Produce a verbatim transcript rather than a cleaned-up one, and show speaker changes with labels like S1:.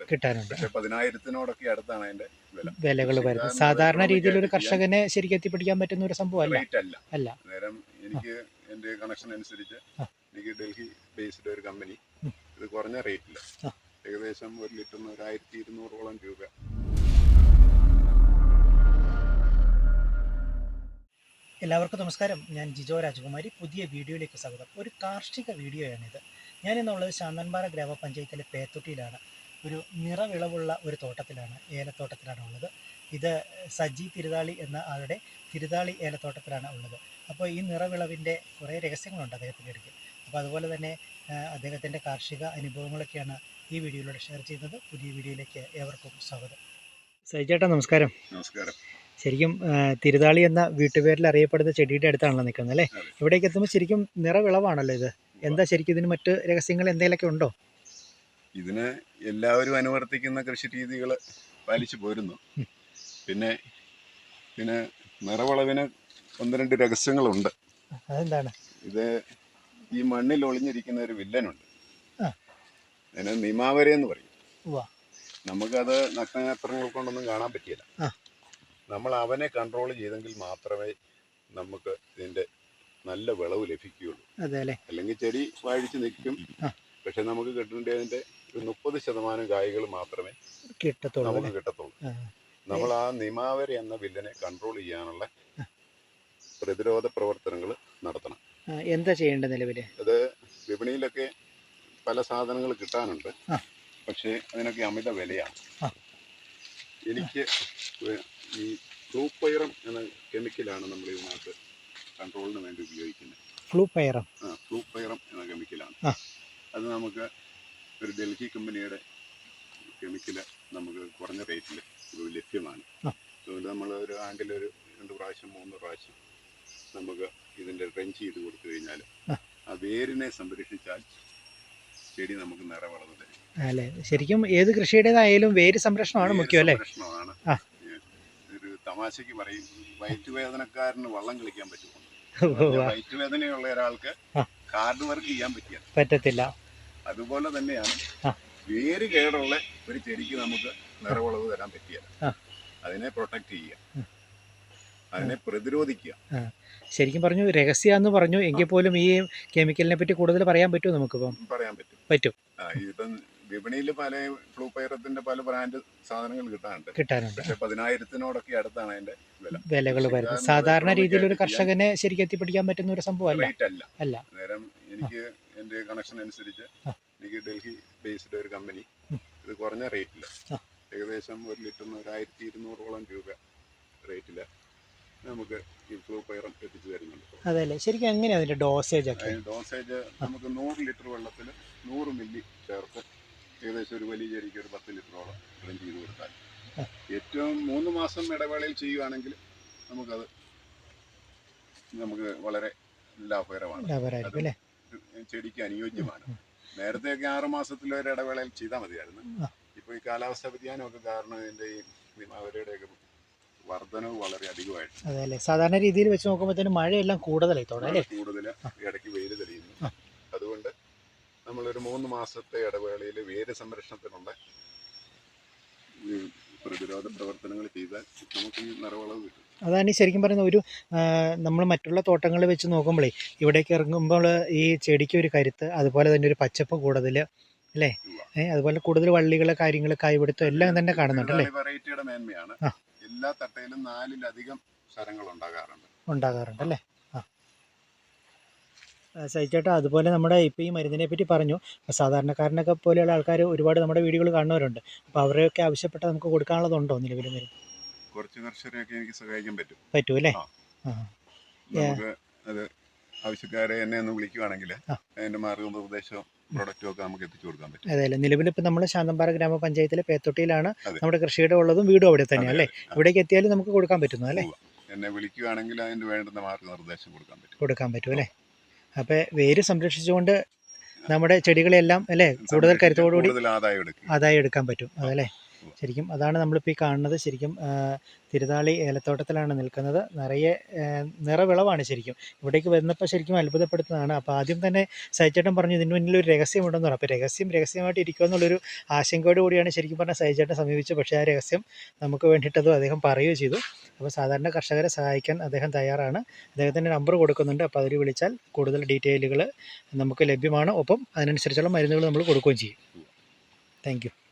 S1: കിട്ടാനുണ്ട്.
S2: പക്ഷെ പതിനായിരത്തിനോടൊക്കെ അടുത്താണ് അതിന്റെ വില
S1: വിലകൾ വരുന്നത്. സാധാരണ രീതിയിൽ ഒരു കർഷകനെ ശരിക്കും എത്തിപ്പിടിക്കാൻ പറ്റുന്ന ഒരു സംഭവം
S2: റേറ്റ് അല്ല.
S1: അല്ല
S2: നേരം എനിക്ക് എന്റെ കണക്ഷൻ അനുസരിച്ച് എനിക്ക് ഡൽഹി ബേസ്ഡ് ഒരു കമ്പനി ഇത് കുറഞ്ഞ റേറ്റില് ഏകദേശം ഒരു ലിറ്ററിന് ഒരു ആയിരത്തി ഇരുന്നൂറോളം രൂപ.
S1: എല്ലാവർക്കും നമസ്കാരം. ഞാൻ ജിജോ രാജകുമാരി. പുതിയ വീഡിയോയിലേക്ക് സ്വാഗതം. ഒരു കാർഷിക വീഡിയോയാണിത്. ഞാനിന്നുള്ളത് ശാന്തൻപാറ ഗ്രാമപഞ്ചായത്തിലെ പേത്തൊട്ടിയിലാണ്. ഒരു നിറവിളവുള്ള ഒരു തോട്ടത്തിലാണ്, ഏലത്തോട്ടത്തിലാണ് ഉള്ളത്. ഇത് സജി തിരുതാളി എന്ന ആളുടെ തിരുതാളി ഏലത്തോട്ടത്തിലാണ് ഉള്ളത്. അപ്പോൾ ഈ നിറവിളവിൻ്റെ കുറേ രഹസ്യങ്ങളുണ്ട് അദ്ദേഹത്തിൻ്റെ അടുത്ത്. അപ്പോൾ അതുപോലെ തന്നെ അദ്ദേഹത്തിൻ്റെ കാർഷിക അനുഭവങ്ങളൊക്കെയാണ് ഈ വീഡിയോയിലൂടെ ഷെയർ ചെയ്യുന്നത്. പുതിയ വീഡിയോയിലേക്ക് ഏവർക്കും സ്വാഗതം. സജിചേട്ടാ നമസ്കാരം.
S2: നമസ്കാരം.
S1: ശരിക്കും തിരുതാളി എന്ന വീട്ടുപേരിൽ അറിയപ്പെടുന്ന ചെടിയുടെ അടുത്താണല്ലോ നിൽക്കുന്നത് അല്ലേ? ഇവിടേക്ക് എത്തുമ്പോൾ ശരിക്കും നിറവിളവാണല്ലോ ഇത്. എന്താ ശരിക്കും ഇതിന് മറ്റ് രഹസ്യങ്ങൾ എന്തെങ്കിലുമൊക്കെ ഉണ്ടോ?
S2: ഇതിന് എല്ലാവരും അനുവർത്തിക്കുന്ന കൃഷി രീതികൾ പാലിച്ചു പോരുന്നു. പിന്നെ പിന്നെ നിറവിളവിന് ഒന്ന് രണ്ട് രഹസ്യങ്ങളുണ്ട്.
S1: അതെന്താണ്?
S2: ഇത് ഈ മണ്ണിൽ ഒളിഞ്ഞിരിക്കുന്ന ഒരു വില്ലനുണ്ട്. അതിന് നിമാവര എന്ന് പറയും. നമുക്കത് നഗ്നനേത്രങ്ങൾ കൊണ്ടൊന്നും കാണാൻ പറ്റിയില്ല. നമ്മൾ അവനെ കൺട്രോൾ ചെയ്തെങ്കിൽ മാത്രമേ നമുക്ക് ഇതിന്റെ നല്ല വിളവ് ലഭിക്കുകയുള്ളൂ. അല്ലെങ്കിൽ ചെടി വാഴിച്ച് നിൽക്കും. പക്ഷെ നമുക്ക് കിട്ടേണ്ടതിന്റെ ഒരു മുപ്പത് ശതമാനം കായ്കൾ മാത്രമേ നമുക്ക് കിട്ടത്തുള്ളൂ. നമ്മൾ ആ നിമാവര എന്ന വില്ലനെ കൺട്രോൾ ചെയ്യാനുള്ള പ്രതിരോധ പ്രവർത്തനങ്ങൾ നടത്തണം.
S1: എന്താ ചെയ്യേണ്ടത്? നിലവിൽ
S2: അത് വിപണിയിലൊക്കെ പല സാധനങ്ങൾ കിട്ടാനുണ്ട്. പക്ഷേ അതിനൊക്കെ അമിത വിലയാണ്. എനിക്ക് ഈ ഫ്ലൂപൈറം എന്ന കെമിക്കലാണ് നമ്മൾ ഇതിനകത്ത് കൺട്രോളിന് വേണ്ടി ഉപയോഗിക്കുന്നത്.
S1: ഫ്ലൂപൈറം
S2: ആ ഫ്ലൂപൈറം എന്ന കെമിക്കലാണ്. അത് നമുക്ക് ഒരു ഡൽഹി കമ്പനിയുടെ കെമിക്കല് നമുക്ക് കുറഞ്ഞ റേറ്റിൽ ലഭ്യമാണ്. അതുകൊണ്ട് നമ്മൾ ഒരു ആണ്ടിലൊരു രണ്ട് പ്രാവശ്യം മൂന്ന് പ്രാവശ്യം നമുക്ക് ഇതിൻ്റെ ഡ്രെഞ്ച് ചെയ്ത് കൊടുത്തു കഴിഞ്ഞാൽ ആ വേരിനെ സംരക്ഷിച്ചാൽ ചെടി നമുക്ക് നിറവളവ് തരും.
S1: അല്ലേ? ശരിക്കും ഏത് കൃഷിയുടേതായാലും വേര് സംരക്ഷണമാണ് മുഖ്യം അല്ലേ?
S2: സംരക്ഷണമാണ്. ഒരു തമാശക്ക് പറയും, വയറ്റുവേദനക്കാരന് വള്ളം കളിക്കാൻ പറ്റുമോ? വയറ്റുവേദനയുള്ള ഒരാൾക്ക് ഹാർഡ് വർക്ക് ചെയ്യാൻ പറ്റിയ
S1: പറ്റത്തില്ല.
S2: അതുപോലെ തന്നെയാണ് വേര് കേടുള്ള ഒരു ചെടിക്ക് നമുക്ക് നിറവളവ് തരാൻ പറ്റിയ അതിനെ പ്രൊട്ടക്ട് ചെയ്യുക, അതിനെ പ്രതിരോധിക്കുക.
S1: ശരിക്കും പറഞ്ഞു രഹസ്യമെന്ന് പറഞ്ഞു എങ്കിൽ പോലും ഈ കെമിക്കലിനെ പറ്റി കൂടുതൽ പറയാൻ പറ്റുമോ? നമുക്കിപ്പം
S2: പറയാൻ പറ്റും
S1: പറ്റും
S2: ഇപ്പം വിപണിയിൽ പല ഫ്ലൂപൈറത്തിന്റെ പല ബ്രാൻഡ് സാധനങ്ങൾ കിട്ടാനുണ്ട്
S1: കിട്ടാനുണ്ട്
S2: പക്ഷെ പതിനായിരത്തിനോടൊക്കെ അടുത്താണ് അതിന്റെ വില
S1: വിലകൾ വരുന്നത്. സാധാരണ രീതിയിൽ ഒരു കർഷകനെ ശരിക്കും എത്തിപ്പിടിക്കാൻ പറ്റുന്ന ഒരു സംഭവം അല്ല
S2: അല്ല നേരം എനിക്ക് എന്റെ കണക്ഷൻ അനുസരിച്ച് എനിക്ക് ഡൽഹി ബേസ്ഡ് ഒരു കമ്പനി ഇത് കുറഞ്ഞ റേറ്റില് ഏകദേശം ഒരു ലിറ്ററിന് ഒരു ആയിരത്തി ഇരുന്നൂറോളം രൂപ റേറ്റില് നമുക്ക് ഈ ഫ്ലൂപൈറം എത്തിച്ചു തരുന്നുണ്ട്.
S1: അതല്ലേ? ശരിക്കും എങ്ങനെയാണ് അതിന്റെ ഡോസേജ് ഒക്കെ?
S2: ഡോസേജ് നമുക്ക് നൂറ് ലിറ്റർ വെള്ളത്തിൽ നൂറ് മില്ലി ചേർത്ത് ഏകദേശം ഒരു വലിയ ചെടിക്ക് ഒരു പത്ത് ലിറ്ററോളം ഡ്രെയിൻ ചെയ്ത് കൊടുത്താൽ ഏറ്റവും മൂന്ന് മാസം ഇടവേളയിൽ ചെയ്യുകയാണെങ്കിൽ നമുക്കത് നമുക്ക് വളരെ ലാഭകരമാണ്, ചെടിക്ക് അനുയോജ്യമാണ്. നേരത്തെയൊക്കെ ആറ് മാസത്തിലൊരു ഇടവേളയിൽ ചെയ്താൽ മതിയായിരുന്നു. ഇപ്പോൾ ഈ കാലാവസ്ഥ വ്യതിയാനമൊക്കെ കാരണം ഇതിൻ്റെ ഈ നിമാവരയുടെയൊക്കെ വർധനവ് വളരെ അധികമായിട്ട്.
S1: അതെ, സാധാരണ രീതിയിൽ വെച്ച് നോക്കുമ്പോഴത്തേനും മഴയെല്ലാം കൂടുതലായി
S2: കൂടുതൽ ഇടയ്ക്ക് വെയിൽ തെളിയുന്നു. അതുകൊണ്ട് നമ്മളൊരു മൂന്ന് മാസത്തെ ഇടവേളയിൽ വേര് സംരക്ഷണത്തിനുള്ള പ്രതിരോധ പ്രവർത്തനങ്ങൾ ചെയ്താൽ നമുക്ക് ഈ നിറവളവ് കിട്ടും.
S1: അതാണ് ശരിക്കും പറയുന്നത്. ഒരു നമ്മൾ മറ്റുള്ള തോട്ടങ്ങൾ വെച്ച് നോക്കുമ്പോഴേ ഇവിടേക്ക് ഇറങ്ങുമ്പോൾ ഈ ചെടിക്ക് ഒരു കരുത്ത്, അതുപോലെ തന്നെ ഒരു പച്ചപ്പ് കൂടുതൽ അല്ലേ? അതുപോലെ കൂടുതൽ വള്ളികള് കാര്യങ്ങൾ കായ്പിടുത്തം എല്ലാം തന്നെ കാണുന്നുണ്ട് അല്ലേ?
S2: വെറൈറ്റിയുടെ മേന്മയാണ്. എല്ലാ തട്ടയിലും നാലിലധികം ശരങ്ങൾ ഉണ്ടാകാറുണ്ട്
S1: ഉണ്ടാകാറുണ്ട് അല്ലേ? ആ സഹിച്ചേട്ടാ, അതുപോലെ നമ്മുടെ ഇപ്പോൾ ഈ മരുന്നിനെ പറ്റി പറഞ്ഞു. സാധാരണക്കാരനൊക്കെ പോലെയുള്ള ആൾക്കാർ ഒരുപാട് നമ്മുടെ വീഡിയോകൾ കാണുന്നവരുണ്ട്. അപ്പോൾ അവരെയൊക്കെ ആവശ്യപ്പെട്ട് നമുക്ക് കൊടുക്കാനുള്ളതുണ്ടോ നിലവിൽ? മരുന്ന്
S2: കുറച്ച് കർഷകരെയൊക്കെ എനിക്ക് സഹായിക്കാൻ പറ്റും.
S1: പറ്റും അല്ലേ?
S2: നമുക്ക് അത് ആവശ്യക്കാരെ എന്നെ ഒന്ന് വിളിക്കുവാണെങ്കിൽ അതിന്റെ മാർഗനിർദ്ദേശവും പ്രൊഡക്റ്റും ഒക്കെ നമുക്ക് എത്തിച്ചു കൊടുക്കാൻ പറ്റും.
S1: അതെ അല്ലേ? നിലവിൽ ഇപ്പം നമ്മൾ ശാന്തൻപാറ ഗ്രാമപഞ്ചായത്തിലെ പേത്തൊട്ടിയിലാണ് നമ്മുടെ കൃഷിയുടെ ഉള്ളതും വീടും അവിടെ തന്നെയാണ് അല്ലേ? ഇവിടേക്ക് എത്തിയാലും നമുക്ക് കൊടുക്കാൻ പറ്റുന്നു അല്ലേ?
S2: എന്നെ വിളിക്കുകയാണെങ്കിൽ അതിന് വേണ്ടുന്ന മാർഗനിർദ്ദേശം കൊടുക്കാൻ പറ്റും
S1: കൊടുക്കാൻ പറ്റും അല്ലേ? അപ്പോൾ വേര് സംരക്ഷിച്ചുകൊണ്ട് നമ്മുടെ ചെടികളെല്ലാം അല്ലേ കൂടുതൽ കരുത്തോടുകൂടി
S2: ആദായം
S1: ആദായം എടുക്കാൻ പറ്റും അതല്ലേ? ശരിക്കും അതാണ് നമ്മളിപ്പോൾ ഈ കാണുന്നത്. ശരിക്കും ആ, തിരുതാളി ഏലത്തോട്ടത്തിലാണ് നിൽക്കുന്നത്. നിറയെ ആ, നിറവിളവാണ് ശരിക്കും. ഇവിടേക്ക് വന്നപ്പോൾ ശരിക്കും അത്ഭുതപ്പെടുത്തുന്നതാണ്. അപ്പോൾ ആദ്യം തന്നെ സൈചേട്ടൻ പറഞ്ഞു ഇതിന് മുന്നിൽ ഒരു രഹസ്യമുണ്ടെന്ന് പറഞ്ഞു. അപ്പോൾ രഹസ്യം രഹസ്യമായിട്ട് ഇരിക്കുക എന്നുള്ളൊരു ആശങ്കയോട് കൂടിയാണ് ശരിക്കും പറഞ്ഞാൽ സൈചേട്ടൻ സമീപിച്ചത്. പക്ഷേ ആ രഹസ്യം നമുക്ക് വേണ്ടിയിട്ടതും അദ്ദേഹം പറയുകയും ചെയ്തു. അപ്പോൾ സാധാരണ കർഷകരെ സഹായിക്കാൻ അദ്ദേഹം തയ്യാറാണ്. അദ്ദേഹത്തിൻ്റെ നമ്പർ കൊടുക്കുന്നുണ്ട്. അപ്പോൾ അതിൽ വിളിച്ചാൽ കൂടുതൽ ഡീറ്റെയിലുകൾ നമുക്ക് ലഭ്യമാണ്. ഒപ്പം അതിനനുസരിച്ചുള്ള മരുന്നുകൾ നമ്മൾ കൊടുക്കുകയും ചെയ്യും. Thank U.